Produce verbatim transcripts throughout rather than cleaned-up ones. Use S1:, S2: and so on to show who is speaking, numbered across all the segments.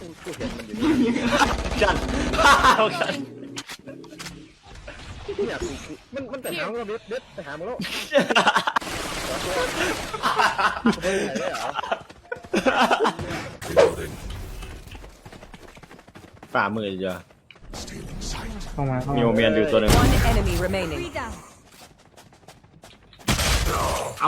S1: กูเห็นมันอยู่นี่จันจันเนี่ยมันมันแต่หางเราเด็ดเด็ดแต่หางมันแล้วไม่ไหนได้เหรอฝ่ามือจ้ะ
S2: เข้ามาเข้า
S1: มี
S2: มา
S1: โอเมียนอยู่ตัวหนึ่ง
S3: One enemy remaining.
S4: เอา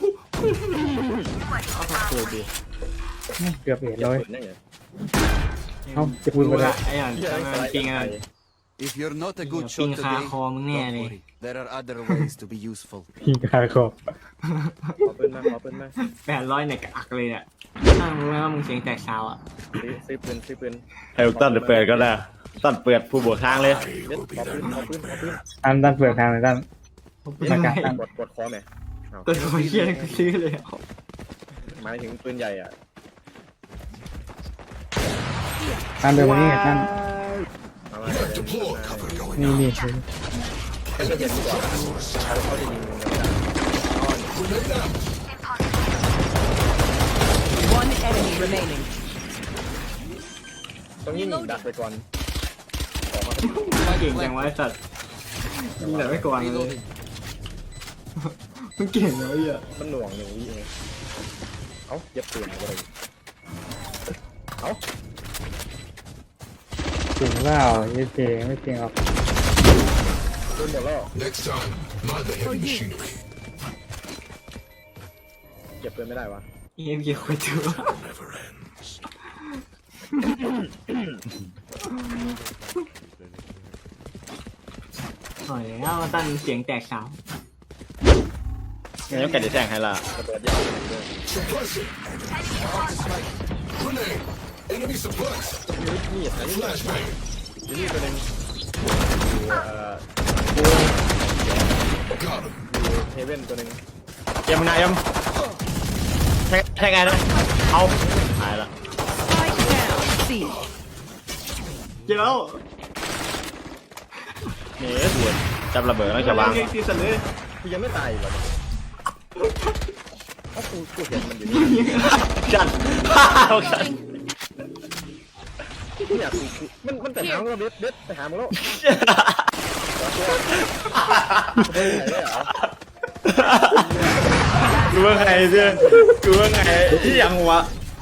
S1: เกิดดิ
S2: เกือบเห็นเลย
S1: นั่นไง
S2: เอ้าจะพูดไปแล้ว
S4: ไอ้อย่างมันปิงอะไร
S5: If you're not a good
S4: Yeah,
S5: shot
S4: ping
S5: today,
S4: ka ko,
S5: don't
S4: mangyari.
S5: worry. There are other ways to be useful.
S2: พิงคาคอ
S1: ขอปืนมาขอปืนมา
S4: แปดร้อยเนี่ยกะอักเลยเนี่ยถ้ามึงว่ามึงเสียงแตกสาวอ่ะ
S1: ซื้อซื้อปืนซื้อปืนไอ้ตั้นเปิดก็ได้ตั้นเปิดผู้บวกทางเลยเด็ดขอปืนขอปืนขอปืน
S2: อันด้านเปลือกทางเลยด้าน
S4: ยังไง
S1: กดกดคอไหม
S4: ตัวคอยเชี่ยกูซื้อเลย
S1: หมายถึงปืนใหญ่อ่ะ
S2: ด้านเดินมานี่ด้าน
S1: มามา
S2: นี่นี่
S1: เขาจะเห็นก่อนเขาจะยิง
S3: One enemy remaining.
S1: ต้องยิงดักไปก่อนออกมา
S4: เก่งจังวะไอ้สัตว์ยิงแต่ไม่กวนเลยมึงเก่งเลยอ่ะ
S1: มันหน่วงหนึ่งวิเองเอ้าเย็บปืนอะไรเอ้า
S2: จริงเปล่าไม่จริงไม่จริงหรอก
S1: ปืนหมดแล้ว
S6: Next time, mind the heavy machinery.
S1: เก็บปืนไม่ได้วะ
S4: เอ็มเกี่ยวกับตัว
S6: Never ends.
S4: หน่อยแล้วตั้นเสียงแตกสาว
S1: งั้นแกจะแจ้งให้ละกระโดดยาวเลย
S6: Suppressing. Grenade. Enemy suppressed.
S1: นี่อันนี้
S6: Flashbang.
S1: อยู่นี่ตัวนึงเอ่อ
S6: Got him.
S1: เฮเว่นตัวนึงเอ็มนะเอ็มแทงแทงไงนะเอาหายละ
S3: Spike down. C.
S4: เจ้า
S1: นี่สวยจับระเบิดแล้วจะวาง
S4: เก่งที่สุดเลย
S1: กูยังไม่ตายหรอกเพราะกูกูเห็นมันอยู่นี่จันจันเนี่ยกูมันมันแต่หางเราเด็ดเด็ดแต่หางมันแล้วไม่ไหนได้เหรอกูว่าไงเจ้กูว่าไงที่ยังวะ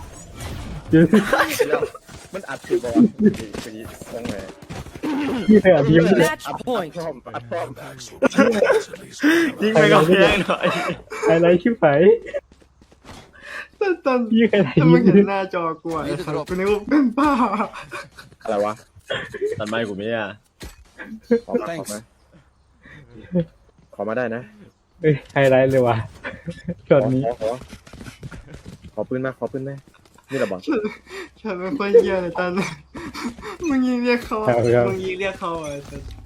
S1: มันอัดคือบอลคือตรงไหน
S2: พี่เธออธิบาย
S3: Match
S1: อัด
S3: point.
S1: พร้อมอัดพร้อม
S6: Backs will protect us at least.
S1: ยิงไปกับแพงหน่อย
S2: อะไรชิบหาย
S4: ตั้นตั้น
S2: พี่ใครไหน
S4: ถ้ามึง
S2: ยิ้
S4: เห็น
S2: ม
S4: หน้าจอกูอ่ะไอ้สัตว์กูนึกว่าเป็นป้า
S1: อะไรวะตัดไม้กูไม่อ่ะขอมาขอมาขอมาได้นะ
S2: เฮ้ยไฮไลท์เลยว่ะช็อตนี้
S1: ขอขอขอปืนมาขอปืนไหมนี่แหละบอล
S4: ฉันไม่ค่อยเยี่ยเลยตั้นมึงยิงเรียกเขามึงยิงเรียกเขาอ่ะ